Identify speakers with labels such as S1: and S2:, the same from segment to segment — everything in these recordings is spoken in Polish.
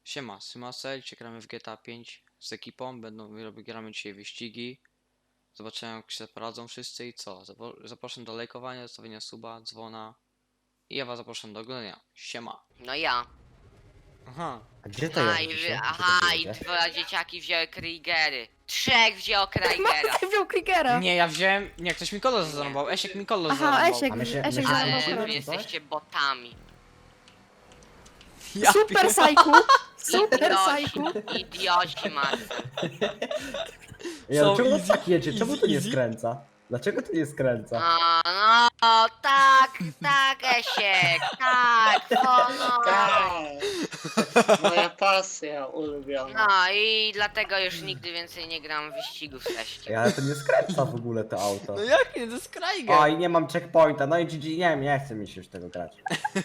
S1: Siema, Symasel, dzisiaj gramy w GTA 5 z ekipą, gramy dzisiaj wyścigi. Zobaczymy jak się poradzą wszyscy i co. Zapraszam do lajkowania, zostawienia suba, dzwona. I ja was zapraszam do oglądania. Siema.
S2: No ja.
S1: Aha.
S3: A gdzie to
S2: Aha,
S3: jest
S2: i,
S3: dzisiaj?
S2: aha, i dwa dzieciaki wzięły Kriegery. Trzech wzięło Kriegera.
S4: Matka wziął Kriegera.
S1: Nie, ja wziąłem... Nie, ktoś mi kolos zarąbał. Esiek mi kolos
S4: Aha,
S1: zarąbał.
S4: Esiek,
S3: A my się- my
S4: Esiek
S3: się-
S4: zarąbał
S2: Ale
S3: Dobra,
S2: wy
S4: krew.
S2: jesteście botami.
S1: Ja
S4: Super
S1: pier-
S4: Sajku! Super Sajku!
S2: Idioci macie.
S3: Ja,
S1: So
S3: czemu
S1: easy,
S3: tak jedzie? Czemu to nie
S1: easy.
S3: skręca? Dlaczego to nie skręca?
S2: No, tak, Esiek, tak, honor.
S5: Tak, moja pasja ulubiona.
S2: No i dlatego już nigdy więcej nie gram w wyścigów z
S3: Ej,
S2: Eśkiem.
S3: ale to nie skręca w ogóle to auto.
S1: No jak nie, to jest Kraiger.
S3: O, i nie mam checkpointa, no i GG, nie chce mi się już tego grać.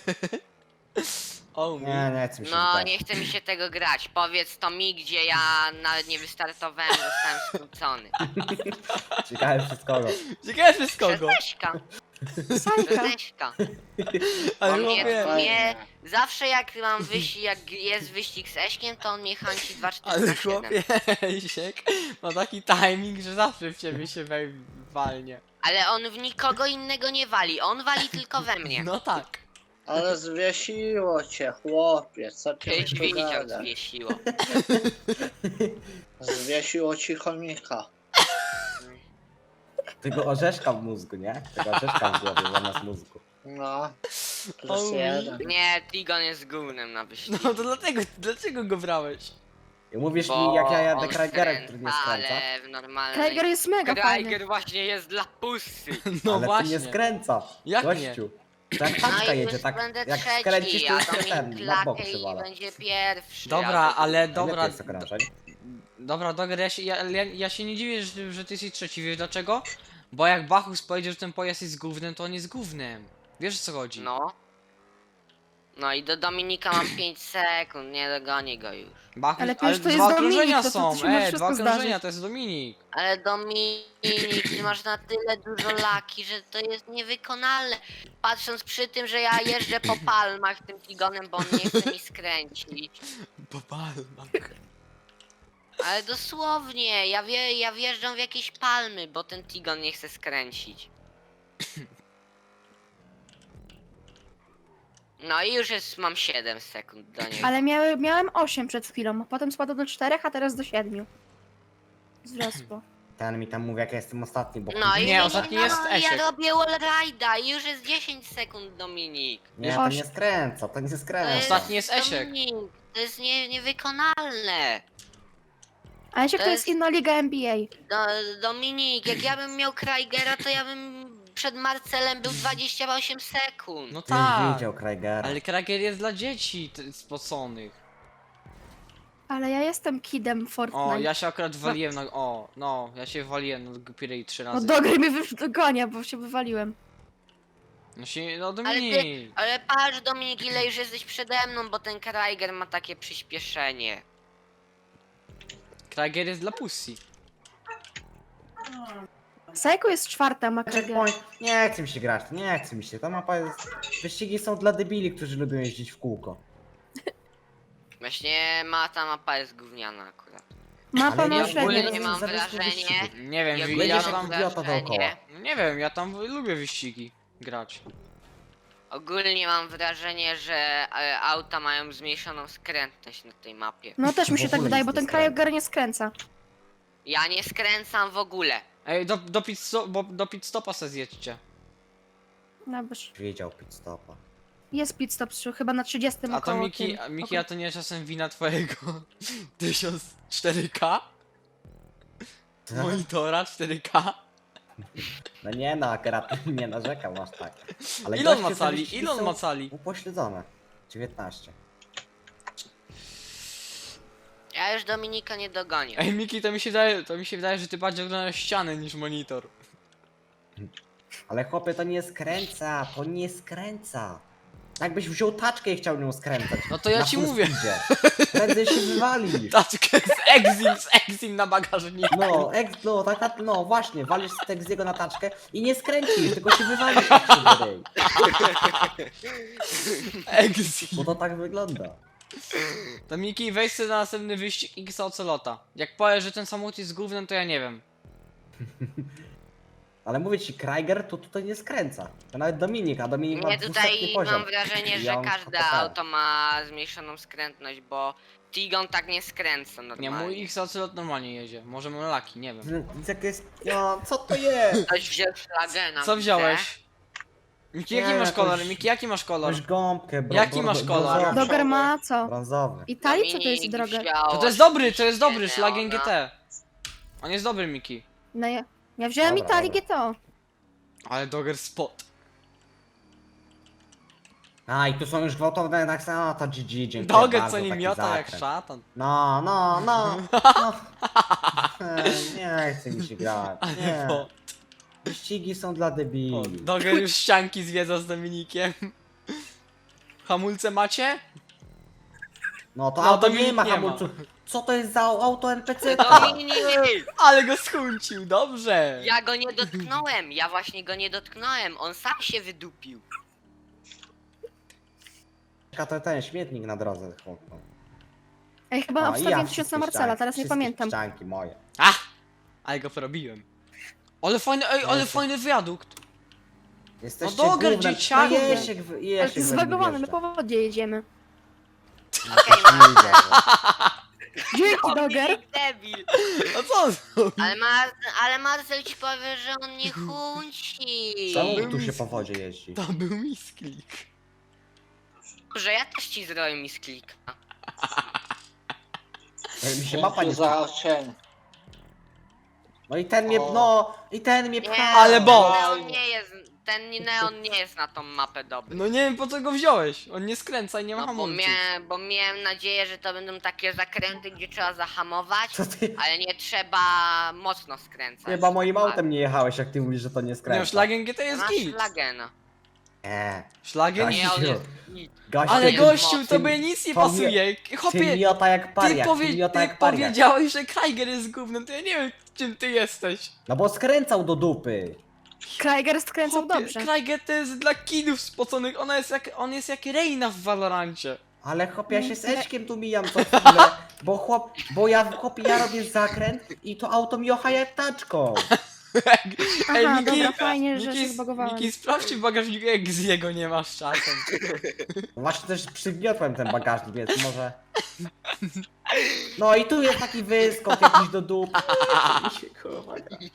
S1: O,
S3: Nie chce mi się
S2: No,
S3: grać.
S2: nie chce mi się tego grać. Powiedz to mi, gdzie ja nawet nie wystartowałem, zostałem skrócony.
S3: Ciekawe przez kogo.
S1: Ciekawe przez
S2: Przez
S1: kogo.
S2: Eśka.
S4: Sajka!
S2: Przez Eśka.
S1: Ale
S2: On
S1: chłopie,
S2: mnie zawsze jak mam wyścig, jak jest wyścig z Eśkiem, to on mnie chęci 2-4
S1: ale
S2: na 7.
S1: chłopie, Esiek ma taki timing, że zawsze w ciebie się walnie.
S2: Ale on w nikogo innego nie wali, on wali tylko we mnie.
S1: No tak.
S5: Ale zwiesiło cię, chłopie, co ty
S2: Kiedyś
S5: mi tu
S2: widział,
S5: gadasz?
S2: zwiesiło.
S5: Zwiesiło ci chomika.
S3: Tego orzeszka w mózgu, nie? Tego orzeszka w głowie zamiast mózgu.
S5: No, plus
S1: O,
S5: jeden.
S2: Nie, Tigon jest gównem na wyścig.
S1: No to dlaczego go brałeś?
S3: I mówisz
S2: Bo
S3: mi, jak ja jadę
S2: on
S3: Kraigerem, który nie skręca?
S2: ale w normalnej...
S4: Krieger jest mega fajny.
S2: Kraiger właśnie jest dla pussy.
S1: No
S3: ale
S1: właśnie.
S3: ty nie skręca.
S1: Jak
S3: gościu. Tak taczka
S2: No i
S3: jedzie,
S2: już
S3: tak
S2: będę
S3: jak
S2: trzeci,
S3: skręcisz, to
S2: a
S3: już cię
S2: Dominik
S3: ten, na bok
S2: klakę i
S3: przywala.
S2: będzie pierwszy.
S1: Dobra,
S2: a to-
S1: ale
S3: Lepiej
S1: dobra.
S3: jest okrążeń.
S1: Dobra, Doger, ja się nie dziwię, że ty jesteś trzeci, wiesz dlaczego? Bo jak Bachus powiedział, że ten pojazd jest gównem, to on jest gównem. Wiesz o co chodzi?
S2: No. No i do Dominika mam 5 sekund, nie dogonię go już.
S1: Bachus,
S4: Ale to już to jest
S1: dwa
S4: Dominik,
S1: okrążenia
S4: to
S1: są,
S4: się może
S1: dwa
S4: wszystko
S1: okrążenia,
S4: zdarzyć.
S1: to jest Dominik.
S2: Ale Dominik, ty masz na tyle dużo laki, że to jest niewykonalne. Patrząc przy tym, że ja jeżdżę po palmach tym Tigonem, bo on nie chce mi skręcić.
S1: Popalmak.
S2: Ale dosłownie, ja wjeżdżam w jakieś palmy, bo ten Tigon nie chce skręcić. No i już mam 7 sekund do niego.
S4: Ale miałem 8 przed chwilą, potem spadło do 4, a teraz do 7. Wzrosło.
S3: Ten mi tam mówi, jak ja jestem ostatni, bo...
S2: No i
S1: Nie, ostatni jest
S2: ja
S1: Esiek.
S2: robię wallride'a i już jest 10 sekund, Dominik.
S3: Nie, to nie skręca, to nie
S2: To
S3: skręca.
S1: Ostatni jest Esiek.
S2: Dominik, to jest niewykonalne.
S4: A Esiek
S2: To
S4: to
S2: jest-
S4: jest inna liga NBA.
S2: Dominik, jak ja bym miał Krigera, to ja bym przed Marcelem był 28 sekund.
S1: No
S3: Nie
S1: tak.
S3: widział Kraigera.
S1: Ale Krager jest dla dzieci spoconych.
S4: Ale ja jestem kidem Fortnite.
S1: O, ja się akurat waliłem na... O, no, ja się waliłem na Pirate 3
S4: No
S1: razy.
S4: do gry mnie dogonia, bo się wywaliłem.
S1: No
S2: Ale
S1: Dominik.
S2: Ale patrz Dominik, ile już jesteś przede mną, bo ten Kraiger ma takie przyspieszenie.
S1: Krager jest dla pussy.
S4: Sajku jest 4, ma Kriegera.
S3: Checkpoint. Nie chce mi się grać, nie chce mi się. Ta mapa jest... Wyścigi są dla debili, którzy lubią jeździć w kółko.
S2: Właśnie ta mapa jest gówniana akurat.
S4: Mapa
S3: Ale
S4: ma
S3: ja
S2: ogólnie
S4: średnie.
S2: nie mam
S3: zamiast
S2: wrażenia.
S3: wyścigów.
S1: Nie wiem,
S2: Ja
S1: ja
S3: Jedziesz
S2: mam
S3: jak
S1: tam...
S3: idiota dookoła.
S2: wrażenie,
S1: Nie wiem, ja tam lubię wyścigi grać.
S2: ogólnie mam wrażenie, że auta mają zmniejszoną skrętność na tej mapie.
S4: No też mi się
S3: W
S4: tak
S3: ogóle
S4: wydaje,
S3: nic
S4: bo
S3: nie
S4: ten
S3: skręca.
S4: Krieger nie skręca.
S2: Ja nie skręcam w ogóle.
S1: Ej, do pit stopa se zjedźcie.
S4: Dobrze.
S3: Wiedział pit stopa.
S4: Jest pit stop chyba na 30
S1: A to
S4: około
S1: Miki,
S4: tym.
S1: Miki, a to nie czasem wina twojego 1004K? Monitora 4K?
S3: No nie no, akurat nie narzekam aż tak. Ale
S1: Ile on
S3: goście
S1: ma
S3: te
S1: cali?
S3: wyścigi
S1: Ile on
S3: są
S1: ma cali?
S3: Upośledzone. 19.
S2: Ja już Dominika nie dogonię.
S1: Ej Miki, to mi się wydaje, że ty bardziej oglądasz ścianę niż monitor.
S3: Ale chłopie, to nie skręca, to nie skręca. Jakbyś wziął taczkę i chciał nią skręcać.
S1: No to ja
S3: na
S1: ci
S3: full
S1: mówię.
S3: speedzie. Prędzej się wywalisz.
S1: Taczkę z Exim na bagażniku.
S3: No właśnie, walisz z jego na taczkę i nie skręcisz, tylko się wywalisz jak się wyryj.
S1: Exim.
S3: Bo to tak wygląda.
S1: To Miki, weź sobie na następny wyścig X Ocelota. Jak powiesz, że ten samochód jest gównem, to ja nie wiem.
S3: Ale mówię ci, Kraiger to tutaj nie skręca. To nawet Dominik, a Dominik ma
S2: Nie,
S3: 200
S2: tutaj
S3: poziom.
S2: mam wrażenie,
S3: I
S2: że
S3: on
S2: każde
S3: PPL.
S2: auto ma zmniejszoną skrętność, bo Tigon tak nie skręca
S1: Nie,
S2: normalnie.
S1: mój X Ocelot normalnie jedzie. Może mam laki, nie wiem.
S3: Jak jest... No, co to jest?
S2: Ktoś wziął Schlagena.
S1: Co
S2: widzę.
S1: wziąłeś? Miki, jaki
S3: Nie,
S1: masz kolor?
S3: jakąś-
S1: Miki, jaki masz kolor?
S3: Masz gąbkę,
S1: Jaki masz kolor?
S3: Brązowy.
S4: Doger ma co?
S3: Brązowy.
S4: Italii? Co to jest
S2: Dominik
S4: droga?
S2: wziął
S1: To jest dobry,
S2: oczywiście
S1: Schlagen
S2: Neona.
S1: GT. On jest dobry, Miki.
S4: No ja wziąłem
S3: Dobra,
S4: Italii
S3: dobra.
S4: GTO.
S1: Ale Dogger spot.
S3: A, i tu są już gwałtowne tak samo, to GG, dziękuję
S1: Dogger
S3: bardzo,
S1: co nie
S3: taki
S1: miota jak
S3: zakręt.
S1: szatan.
S3: No. Nie chce mi się grać, nie.
S1: Bo
S3: Wyścigi są dla debili.
S1: Dogger już ścianki zwiedza z Dominikiem. Hamulce macie?
S3: No to
S1: No,
S3: auto
S1: Dominik
S3: nie ma
S1: nie ma.
S3: hamulców. Co to jest za auto NPC?
S2: Dominik!
S1: Ale go skuncił, dobrze.
S2: Ja go nie dotknąłem, ja właśnie go nie dotknąłem, on sam się wydupił.
S3: To ten śmietnik na drodze chłopno.
S4: Ej, chyba
S3: O, i
S4: obstawiłem
S3: wszystkie
S4: 1000 na Marcela,
S3: ścianki,
S4: teraz nie
S3: wszystkie
S4: pamiętam.
S3: ścianki moje.
S1: Ale go porobiłem. Ale fajny, ej, ale
S3: Jezu.
S1: fajny wiadukt.
S3: Jesteście
S1: Dogger,
S3: gównem.
S1: dzieciaku.
S3: No Jesiek,
S4: Ale
S3: Jesiek
S4: to jest zbagowane, my po wodzie jedziemy.
S2: Okej,
S4: Dzięki, Doger.
S2: Dominik debil.
S1: A co on zrobił?
S2: Ale Marcel ci powie, że on nie chunci.
S3: Czemu tu się po wodzie jeździ?
S1: To był misklik.
S2: Że ja też ci zrobię misklika.
S3: Mi się mapa nie...
S5: za cień.
S3: No i ten mnie,
S5: O.
S3: no, i ten mnie
S2: Nie,
S3: pcha.
S1: Ale bo-
S2: ten neon nie jest na tą mapę dobry.
S1: No nie wiem po co go wziąłeś. On nie skręca i nie ma
S2: No bo,
S1: hamulców.
S2: bo miałem nadzieję, że to będą takie zakręty, gdzie trzeba zahamować,
S3: Co ty?
S2: ale nie trzeba mocno skręcać.
S3: Chyba moim autem nie jechałeś, jak ty mówisz, że to nie
S1: Nie,
S3: skręca.
S1: Schlagen GT jest
S2: Masz
S1: git.
S2: Schlagena.
S3: Nie.
S1: Schlagen?
S3: Gościu.
S2: Nie, on jest git.
S3: Gościu,
S1: Ale
S2: nie,
S1: gościu,
S2: no,
S1: tobie nic nie
S3: to
S1: pasuje.
S3: Ty
S1: Chopie,
S3: miota jak pariak, ty miota
S1: ty
S3: jak pariak.
S1: powiedziałeś, że Kraiger jest gównem, to ja nie wiem czym ty jesteś.
S3: No bo skręcał do dupy.
S4: Kraiger skręcał
S1: Chłopie,
S4: dobrze.
S1: Kraiger to jest dla kidów spoconych, on jest jak Reina w Valorancie.
S3: Ale chłop, ja się z
S4: Nie.
S3: Eczkiem tu mijam co chwilę, ja robię zakręt i to auto mi jocha jak taczką.
S1: Ej,
S4: Aha,
S1: Miki,
S4: dobra, fajnie, że się
S1: Miki,
S4: zbagowałem.
S1: Miki, sprawdź w bagażniku, jak z jego nie masz czasem.
S3: Właśnie też przygniotłem ten bagażnik, więc może... No i tu jest taki wyskok jakiś do dupy. Mi się, kurwa,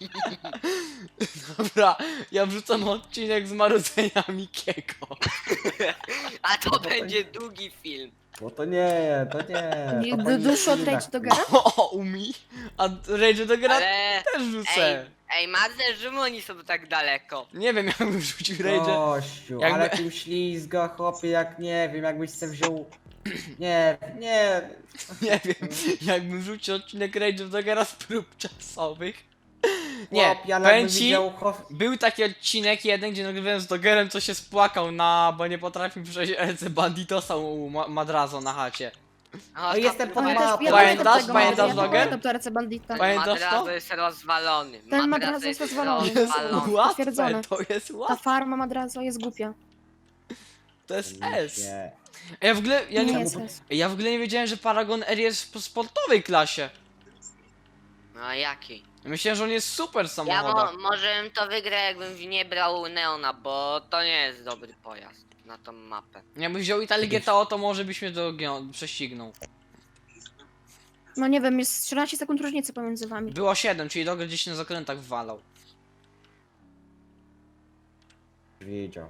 S1: Dobra, ja wrzucam odcinek z marudzenia Mikiego.
S2: A to
S3: to-
S2: będzie długi film.
S3: Bo to nie. To
S4: Duszu od Rage Dogera?
S1: O, umi. A Rage do gra
S2: Ale...
S1: też rzucę.
S2: Ej, Marcel, czemu oni są tak daleko?
S1: Nie wiem, jakbym wrzucił Rage.
S3: Gościu,
S1: Jakby-
S3: ale tym ślizga, chłopie, jak nie wiem, jakbyś se wziął... Nie.
S1: Nie wiem, jakbym wrzucił odcinek Rage do gra z prób czasowych. Nie,
S3: Chłopie, ale
S1: powiem
S3: jakbym
S1: ci,
S3: widział...
S1: był taki odcinek jeden, gdzie nagrywałem z Dogerem, co się spłakał bo nie potrafił przejść ręce banditosa u Madrazo na chacie.
S3: No jestem pod
S4: Ale
S3: mapą.
S4: też ja
S1: Pamiętasz?
S4: pamiętam tego
S1: Pamiętasz,
S4: Madrazo,
S1: Doger?
S4: pamiętam to RC Bandita.
S1: Pamiętasz
S2: Madrazo
S1: to?
S2: jest rozwalony.
S4: Ten
S2: Madrazo
S4: Madrazo jest rozwalony.
S1: Jest
S2: rozwalony.
S1: łatwe,
S4: Potwierdzone.
S1: to jest
S4: Ta
S1: łatwe,
S4: farma Madrazo jest głupia.
S1: to jest S.
S3: Nie.
S1: Ja w ogóle, ja
S4: Nie
S1: nie,
S4: jest S.
S1: ja w ogóle nie wiedziałem, że Paragon R jest w sportowej klasie.
S2: No a jaki?
S1: Myślałem, że on jest super
S2: Ja
S1: samochodem.
S2: może bym to wygrał, jakbym nie brał Neona, bo to nie jest dobry pojazd na tą mapę.
S1: Jakbyś wziął Italię GTO, to może byś mnie prześcignął.
S4: No nie wiem, jest 13 sekund różnicy pomiędzy wami.
S1: Było 7, czyli Doger gdzieś na zakrętach walał.
S3: Widział.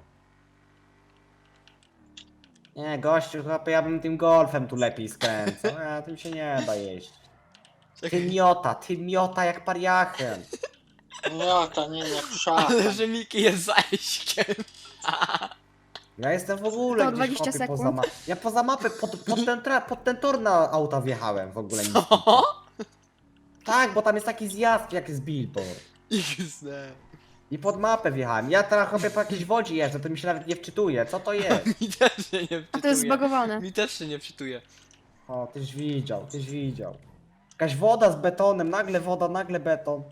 S3: Nie, gościu, chłopie, ja bym tym golfem tu lepiej skręcał. A tym się nie da jeść. Ty miota jak pariachem.
S5: No to nie szatan.
S1: Ale że Miki jest zaśkiem.
S3: Ja jestem w ogóle
S4: To
S3: gdzieś
S4: 20
S3: chłopie, poza
S4: sekund.
S3: mapę. Ja poza mapę, pod ten tor na auta wjechałem w ogóle. nic.
S1: O!
S3: Tak, bo tam jest taki zjazd jak z billboard.
S1: XD.
S3: I pod mapę wjechałem. Ja teraz chłopie po jakiejś wodzie jeżdżę, to mi się nawet nie wczytuje. Co to jest?
S1: Mi też się nie
S4: A to jest
S1: wczytuje.
S4: zbagowane.
S1: Mi też się nie wczytuje.
S3: O, tyś widział. Jakaś woda z betonem, nagle woda, nagle beton.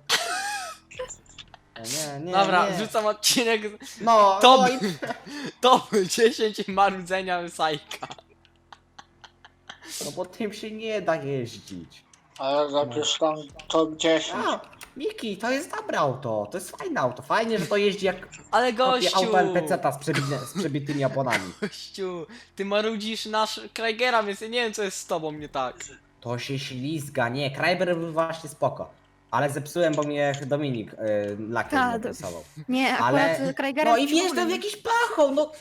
S3: Nie.
S1: Dobra,
S3: nie.
S1: wrzucam odcinek
S3: No,
S1: To
S3: no
S1: by-
S3: i...
S1: top 10 marudzenia Sajka.
S3: No bo tym się nie da jeździć.
S5: Ale napisz tam top 10.
S3: A, Miki, to jest dobre auto, to jest fajne auto. Fajnie, że to jeździ jak
S1: Ale
S3: kopie
S1: gościu!
S3: auto NPC-ta z przebitymi oponami.
S1: Gościu, ty marudzisz nasz Krygera, więc ja nie wiem co jest z tobą nie tak.
S3: To się ślizga, nie, Krajber był właśnie spoko. Ale zepsułem, bo mnie Dominik lakier
S4: Tak,
S3: narysował.
S4: Nie, akurat
S3: Ale...
S4: Krajgera...
S3: No i wjeżdżam w jakiś pachoł, no.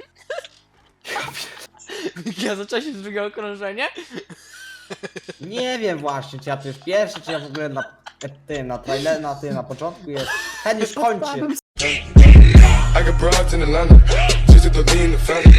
S1: Ja zacząłem się z drugiego okrążenia?
S3: Nie wiem właśnie, czy ja to już pierwszy, czy ja w ogóle na tym, na trailer, na początku jest. Ten już kończy.
S4: Słabym
S6: I got broads in Atlanta, just to lean the family.